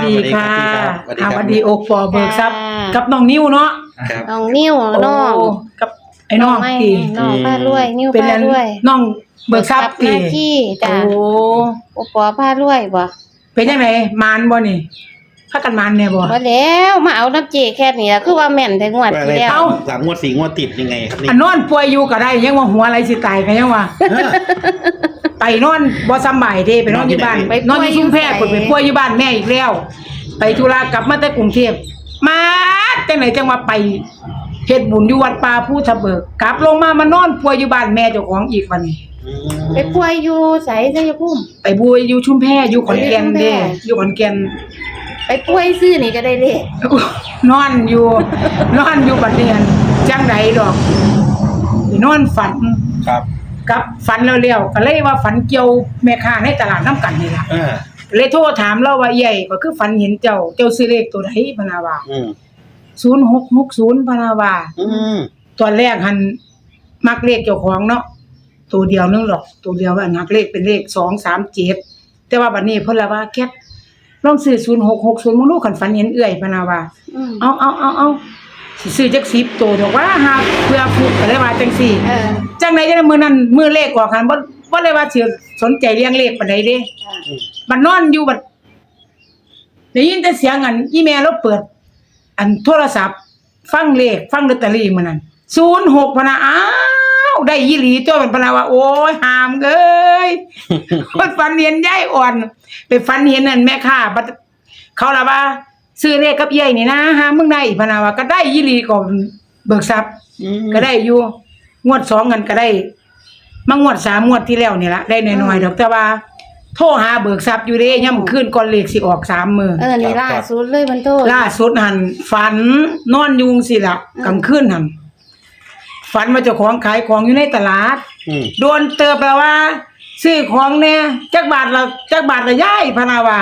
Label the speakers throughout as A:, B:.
A: ดีค่ะสวัสดีโอปอเบิกทรัพย์กับน้องนิ้วเนาะ
B: น้องนิ้วน้อง
A: กับไอ้น้องตี
B: น้องพารวยนิ้วพารวย
A: น้องเบิกทรัพย์ตี
B: จ้ะโอปอพารวยบ่
A: เป็นจังไดมานบ่นี่พากันมานแน่บ่
B: แล้วมาเอาน้ำเจแค่นี้คือว่าแม่นแต่งวดที่แล้ว
C: 3 งวด 4 งวดติดยังไงครับนี่
A: นอนป่วยอยู่ก็ได้ยังว่าหัวอะไรสิตายก็ยังว่าไปนอนบ่สบายเด้ไปนอนอยู่บ้านนอนอยู่ชุมแพคนไปป่วยอยู่บ้านแม่อีกแล้วไปธุระกลับมาแต่กรุงเทพมาจังไหนจังว่าไปเฮ็ดบุญอยู่วัดป่าภูทะเบิกกลับลงมามานอนป่วยอยู่บ้านแม่เจ้าของอีกวันนี้
B: ไปป่วยอยู่ไสชัยภูมิ
A: ไปป่วยอยู่ชุมแพอยู่ขอนแก่นเด้อยู่ขอนแก่น
B: ไปป่วยซื้อนี่ก็ได้เลข
A: นอนอยู่บัดเนียนจังไดดอกนอนฝัน
C: ครับ
A: กับฝันแล้วๆก็เลยว่าฝันเกี่ยวแม่ค้าในตลาดน้ำกันนี่ล่ะเลยโทรถามเราว่าใหญ่ก็คือฝันเห็นเจ้าซื้อเลขตัวใดพะนาว่า0660พะนาว่าตอนแรกหันมักเลขเจ้าของเนาะตัวเดียวนึงหรอกตัวเดียวว่านักเลขเป็นเลข237แต่ว่าบัดนี้เพิ่นละว่าแคทลองซื้อ0660มึงดูคันฝันเห็นเอื้อยพะนาว่าเอาสิซื้อจัก10ตัวดอกว่าหาเพื่อฟุกก็เลยว่าจังซี่จังได๋จังมื้อนั้นมื้อเลขออกหันบ่เลยว่าสิสนใจเรื่องเลขปานใดเด้บัดนอนอยู่บัดได้ยินแต่เสียงอันอีแม่เราเปิดอันโทรศัพท์ฟังเลขฟังลอตเตอรี่มื้อนั้น06พะนะอ้าวได้อีหลีตัวมันพะนะว่าโอ้ยหามเอ้ยคนฝันเห็นยายอ่อนไปฝันเห็นนั่นแม่ค้าบัดเขาล่ะว่าซื้อเลขกับยายนี่นะหามึงได้พะนะว่าก็ได้อีหลีก็เบิกทรัพย์ก็ได้อยู่งวด2กันก็ได้มางวด3งวดที่แล้วนี่ล่ะได้น้อยๆดอกแต่ว่าโทรหาเบิกทรัพย์อยู่เด้ย่ำคืนก่อนเลขสิออก3มื้อ
B: นี่ล่าสุดเลยมันโทร
A: ล่าสุดหั่นฝันนอนอยู่สิล่ะกลางคืนหั่นฝันว่าเจ้าของขายของอยู่ในตลาดโดนเติบแล้วว่าซื้อของแน่จักบาทละยายพะนาว่า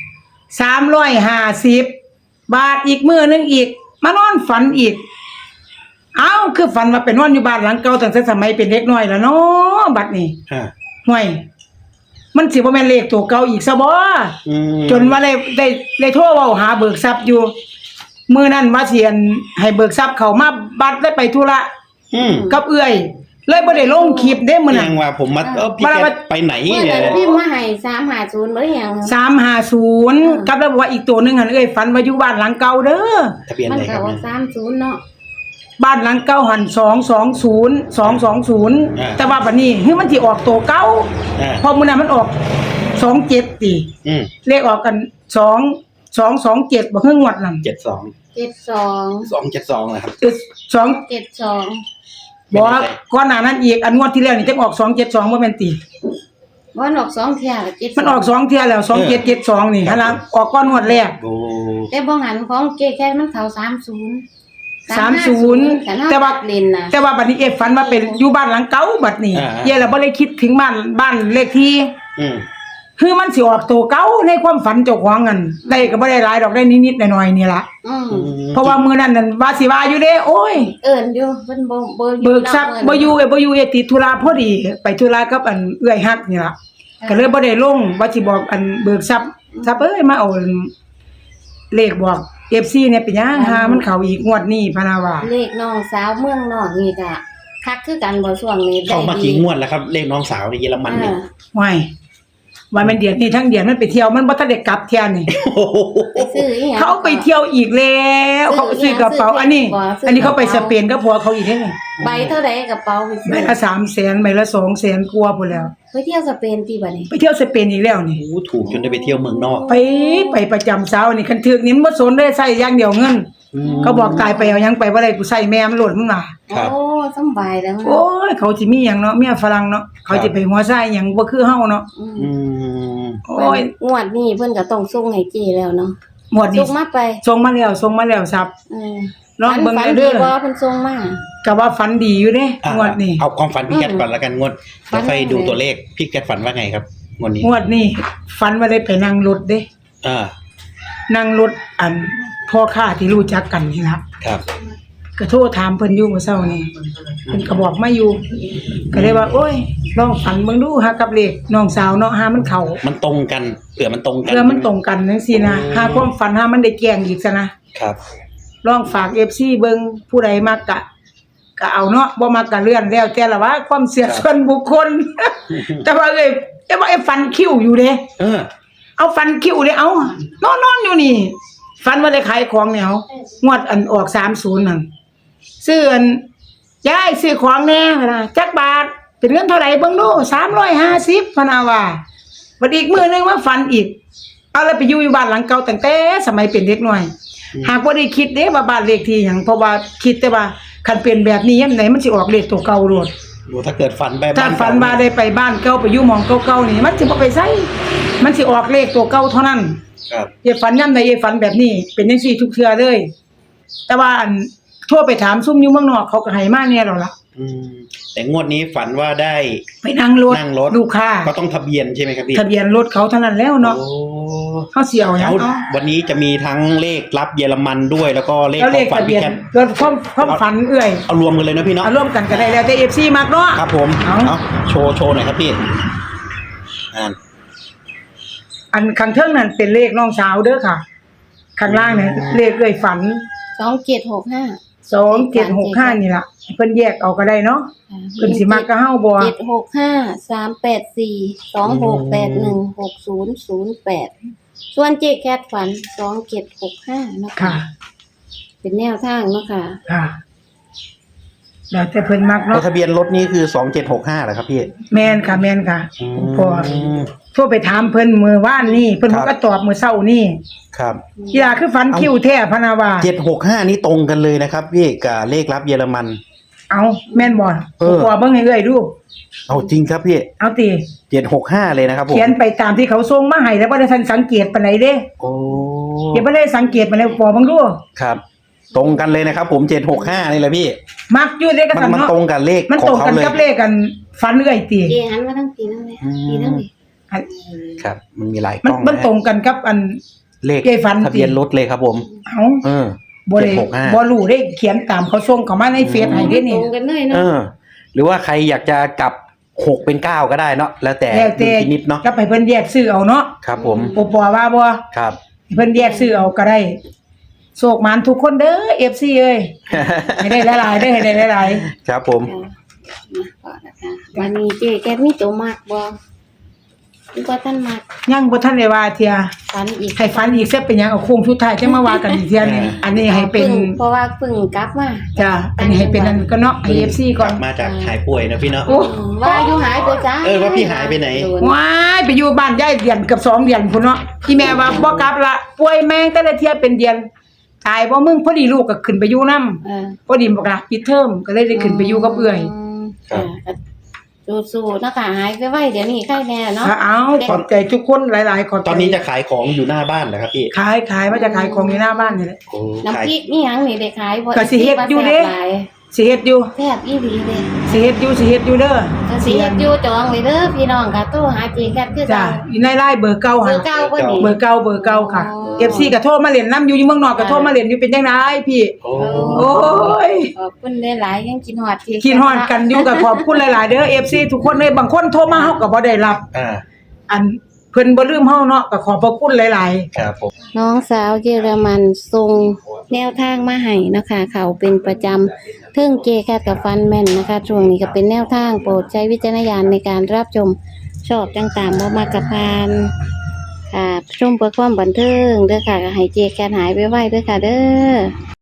A: 350บาทอีกมื้อนึงอีกมานอนฝันอีกเอ้าคือฝันว่าไปนอนอยู่บ้านหลังเก่าตั้งแต่สมัยเป็นเด็กน้อยแล้วเนาะบัดนี้ห่วยมันสิบ่แม่นเลขตัวเก่าอีกซะบ่จนว่าได้โทรเว้าหาเบิกทรัพย์อยู่มื้อนั้นว่าสิให้เบิกทรัพย์เข้ามาบัดได้ไปธุระกับเอื้อยเลยบ่ได้ลงคลิปเด้มื้อนั้น
C: ว่าผมมาพี่แกไปไหน
B: เนี่ยพี่มาให้350บ่ได้หยัง
A: 350กับแล้วบอกว่าอีกตัวนึงหั่นเอ้ยฝันว่าอยู่บ้านหลังเก่าเด้อ
C: ทะเบียนอะไรครับ
B: มันก็30เนาะ
A: บ้านหลังเก่าหั่น220แต่ว่าบัดนี้มันสิออกตัวเก่าพอมื้อนั้นมันออก27ติเลขออกกัน227บ่คืองวดนั้น
C: 272นะครับ
A: 272บ่ก่อนหน้านั้นอีกอันงวดที่แล้วนี่จังออก272บ่แม่นติ
B: มันออก2เที่ย72
A: มันออก2เที่ยแล้ว2772นี่หั่นล่ะออกก่อนงวดแรก
B: แต่บ่หันของเจ๊แค่มันเข้า
A: 30แต่ว่าบัดนี้ฝันว่าเป็นอยู่บ้านหลังเก่าบัดนี้เย่แล้วบ่ได้คิดถึงบ้านเลขที่คือมันสิออกตัวเก่าในความฝันเจ้าของนั่นได้ก็บ่ได้หลายดอกได้นิดๆหน่อยๆนี่ล่ะเพราะว่ามื้อนั้นนั่นว่าสิว่าอยู่เด้โอ้ย
B: เอิ้นอยู่เพิ่นบ่
A: เบิกทรัพย์บ่อยู่ติดธุระพอดีไปธุระกับอันเอื้อยฮักนี่ล่ะก็เลยบ่ได้ลงว่าสิบอกอันเบิกทรัพย์เอ้ยมาเอาเลขบอก FC เนี่ยเป็นหยังหามันเข้าอีกงวดนี้พะนะว่า
B: เลขน้องสาวเมืองนอกนี่ก็คักคือกันบ่ช่วงนี้
C: ได้ดีเข้ามากี่งวดแล้วครับเลขน้องสาวในเยอรมันนี่
A: ว้ายว่ามันเดือนนี้ทั้งเดือนมันไปเที่ยวมันบ่ทันได้กลับเที่ยนี่
B: ไปซื้ออีหยัง
A: เขาไปเที่ยวอีกแล้วเขาซื้อกระเป๋าอันนี้เขาไปสเปนกับผัวเขาอีกเด้
B: ใบเท่าใดกระเป๋า
A: ใบละ300,000ใบละ200,000กว่าพุ่นแล้ว
B: ไปเที่ยวสเปนติบัดนี้
A: ไปเที่ยวสเปนอีกแล้วนี่
C: โอ้ถูกจนได้ไปเที่ยวเมืองนอก
A: ไปประจำเช้านี่คันถึกนี่มันบ่สนได้ใช้อย่างเดียวเงินเขาบอกตายไปเอาหยังไปบ่ได้กูใช้แม่มันโลดมึงน่ะ
B: โอ้สำบายแล้ว
A: โอ้ยเขาสิมีหยังเนาะเมียฝรั่งเนาะเขาสิไปหัวไส้หยังบ่คือเฮาเนาะ
B: โอ้ยงวดนี้เพิ่นก็ต้องส่งให้เจ้แล้วเนาะ
A: งวดนี้ส่งมาแล้วครับลองเบิ่งเด้อ
B: บ่เพิ่นส่งมา
A: ก็ว่าฝันดีอยู่เด้งวดนี้
C: เอาความฝันพี่แกก่อนละกันงวดแล้วค่อยดูตัวเลขพี่แกฝันว่าไงครับ
A: งวดนี้ฝันว่าได้ไปนั่งรถเด้นั่งรถอันพ่อค้าที่รู้จักกันนี่ล่ะ
C: ครับ
A: ก็โทรถามเพิ่นอยู่เมื่อเช้านี่เพิ่นก็บอกมาอยู่ก็เลยว่าโอ้ยลองฝันเบิ่งดูหากับเลขน้องสาวเนาะหามันเข้า
C: มันตรงกันเผื่อมันตรงกัน
A: เพื่อมันตรงกันจังซี่นะหาความฝันหามันได้แกล้งอีกซะนะครับ ลองฝาก FC เบิ่งผู้ใดมักก็เอาเนาะบ่มักก็เลื่อนแล้วแต่ละว่าความเชื่อส่วนบุคคล แต่ว่าเอ้ยฟันคิ้วอยู่เด้ เอาฟันคิ้วเด้เอานอนอยู่นี่ฟันว่าได้ขายของเนี่ยเอางวดอันออก30นั่นซื้ออันยายซื้อของแน่นะจักบาทเป็นเงินเท่าไหร่เบิ่งดู350พะนาว่าบัดอีกมื้อนึงมาฟันอีกเอาแล้วไปอยู่บ้านหลังเก่าตั้งแต่สมัยเป็นเด็กน้อยหากบ่ได้คิดเด้ว่าบ้านเลขที่หยังเพราะว่าคิดแต่ว่าคันเป็นแบบนี้ยามไหนมันสิออกเลขตัวเก่าโลด
C: ถ้าเกิดฝันไป
A: ถ้าฝันว่าได้ไปบ้านเก่าไปอยู่หม้องเก่าๆนี่มันสิบ่ไปไสมันสิออกเลขตัวเก่าเท่านั้น
C: ครับ
A: อย่าฝันยามใดอย่าฝันแบบนี้เป็นจังซี่ทุกเทื่อเลยแต่ว่าอันโทรไปถามซุ่มอยู่เมืองนอกเขาก็ให้มาแน่แล้วล่ะ
C: แต่งวดนี้ฝันว่าได้
A: ไปนั่งรถลูกค้า
C: ก็ต้องทะเบียนใช่ไหมครับพี่
A: ทะเบียนรถเขาเท่านั้นแล้วเนาะ
C: โอ้
A: เฮาสิเอาหยัง
C: แล้ว
A: เอา
C: วันนี้จะมีทั้งเลขรับเยอรมันด้วยแล้วก็เลข
A: แล้ว
C: ข
A: เล
C: อง
A: ข
C: ฝัน
A: ทะเบี
C: พี่
A: ยน
C: แคท
A: รถความฝันเอื้อย
C: เอารวมกันเลยนะพี่เนาะ
A: เอาร่วมกันก็ได้แล้วแต่ FC มักเนาะ
C: ครับผม
A: เอา
C: เอาโชว์หน่อยครับพี่
A: อันข้างเทิงนั่นเป็นเลขน้องสาวเด้อค่ะ ข้างล่างเนี่ยเลขเอื้อยฝัน
B: 2765
A: 2765นี่ล่ะเพิ่นแยกเอาก็ได้เนาะเพิ่นสิมักก็เฮาบ่
B: 765 384 2681 6008ส่วนเจแคทฝัน2765เนาะ
A: ค่ะ
B: เป็นแนวทางเนาะค่ะ
A: ค่ะแล้วแต่เพิ่นมัก
C: แล้ว
A: เนาะ
C: ทะเบียนรถนี่คือ2765เหรอครับพี่
A: แม่นค่ะแม่นค่ะพอโทรไปถามเพิ่นมื้อวานนี้เพิ่นก็ตอบมื้อเช้านี้
C: ครับ
A: กีฬาคือฝันคิ้วแท้พะนาว่า
C: 765นี่ตรงกันเลยนะครับพี่กับเลขรับเยอรมัน
A: เอาแม่นบ่
C: เออ
A: พอเบิ่งให้เอ้อยดู
C: เอาจริงครับพี่
A: เอาติ
C: 765เลยนะครับผม
A: เขียนไปตามที่เขาส่งมาให้แล้วบ่ได้ทันสังเกตปานใดเด้
C: โอ้
A: เดี๋ยวบ่ได้สังเกตปานใดพอเบิ่งดู
C: ครับ ตรงกันเลยนะครับผม765นี่แหละพี่
A: มักอยู่เด้ก็
C: มัน
A: ซั่น
C: มัน
A: เนาะ
C: ตรงกับเลข
A: มัน
C: ข
A: ต
C: อ
A: รง ง
C: เขา
A: กัน
C: เลย
A: กับเลขกันฝันเอ้อยติ
B: เจหันมาทั้งปีนั่นเลยปีนั่นเลย
A: อัน
C: ครับ มันมีหลายก
A: มัน
C: ล้อง
A: มัน
C: นะ
A: ตรงกันกับอัน
C: เลข
A: เอ้ยฝัน
C: ทะเบียนรถเลยครับผม
A: เอ้า
C: เออ
A: บ่ได้
C: 765
A: บ่รู้เด้เขียนตามเขาส่งเข้ามาในเฟซให้เด้นี่
B: ตรงกันเลย
C: เอ
B: เนาะ
C: อ หรือว่าใครอยากจะกลับ6เป็น9ก็ได้เนาะแล้วแต่
A: แล้วแต่
C: ดุลพินิจเนาะ
A: ก็ไปเพิ่นแยกซื้อเอาเนาะ
C: ครับผม
A: บ่ปอว่าบ่
C: ครับ
A: เพิ่นแยกซื้อเอาก็ได้โชคหมานทุกคนเด้อ FC เอ้ยให้ได้หลายๆเด้อให้ได้หลาย
C: ครับผม
B: วันนี้เจแคทมีตัวมากบ่หรือว่าท่านมาก
A: ๆยังบ่ทันได้ว่าเที่ย
B: ฝันอีก
A: ให้ฝันอีกเสียเป็นหยังเอาโค้งสุดท้ายจังมาว่ากันอีกเที่ยหนึงอันนี้ให้เป็น
B: เพราะว่าเพิ่งกลับมา
A: จ้ะอันนี้ให้เป็นอันก็เนาะให้ FC ก่อน
C: มาจากหายป่วยนะพี่เนาะ
A: โอ้
B: ว่าอยู่หายไปจ้า
C: ว่าพี่หายไปไหน
A: ว้ายไปอยู่บ้านยายเดือนเกับ2เดือนพุ่นเนาะที่แม่ว่าบ่กลับละป่วยแม่งแต่ละเที่ยเป็นเดือนตายบ่มึงพอดีลูกก็ขึ้นไปอยู่นำพอดีบอกล่ะปิดเทอมก็เลยได้ขึ้นไปอยู่กับเอื้อย
B: สู้ๆนะคะหายไปไวเดี๋ยวนี้ใกล้แน่เนาะ
A: เอาขอบใจทุกคนหลายๆขอบใจ
C: ตอนนี้จะขายของอยู่หน้าบ้านเหรอครับพี่
A: ขายว่าจะขายของอยู่หน้าบ้านนี่แหละ
C: โอ้
B: น้ำพริกนี่หยังนี่ได้ขายบ่
A: ก็สิเฮ็ดอยู่เด้ สิเฮ็ดอยู่
B: แซ่บอีหลีเด้
A: สิเฮ็ดอยู่เด้อ
B: ก็สิเฮ็ดอยู่จองเลยเด้อพี่น้องค่ะโทรหาเจแคทคือ
A: จ้ะ
B: เก่า
A: อยู่ในไลน์เบอร์เก่า
B: เบ
A: หั่
B: อน ร์เก่าบ่นี่
A: เบอร์เก่าค่ะ
B: อ๋อ
A: FC ก็โทรมาเล่นนํอยู่เมืองนอกก็โทรมาเล่นอยู่เป็นจังไดพี่
C: โอ้
A: โอ้ย
B: ขอบคุณหลายๆยังกินฮอดเจแคท
A: คิดฮอดกันอยู่ก็ขอบคุณหลายๆเด้อ FC ทุกคนเลยบางคนโทรมาเฮาก็บ่ได้รับ อันเพิ่นบ่ลืมเฮาเนาะก็ขอบพระคุณหลายๆ
C: ครับผม
B: น้องสาวเยอรมันส่งแนวทางมาให้นะคะเขาเป็นประจำเทิงเจแคทกับฟันแม่นนะคะช่วงนี้ก็เป็นแนวทางโปรดใช้วิจารณญาณในการรับชมชอบจังตามบ่มากกับพานค่ะชมเพื่อความบันเทิงเด้อค่ะก็ให้เจแคทหายไวๆเด้อค่ะเด้อ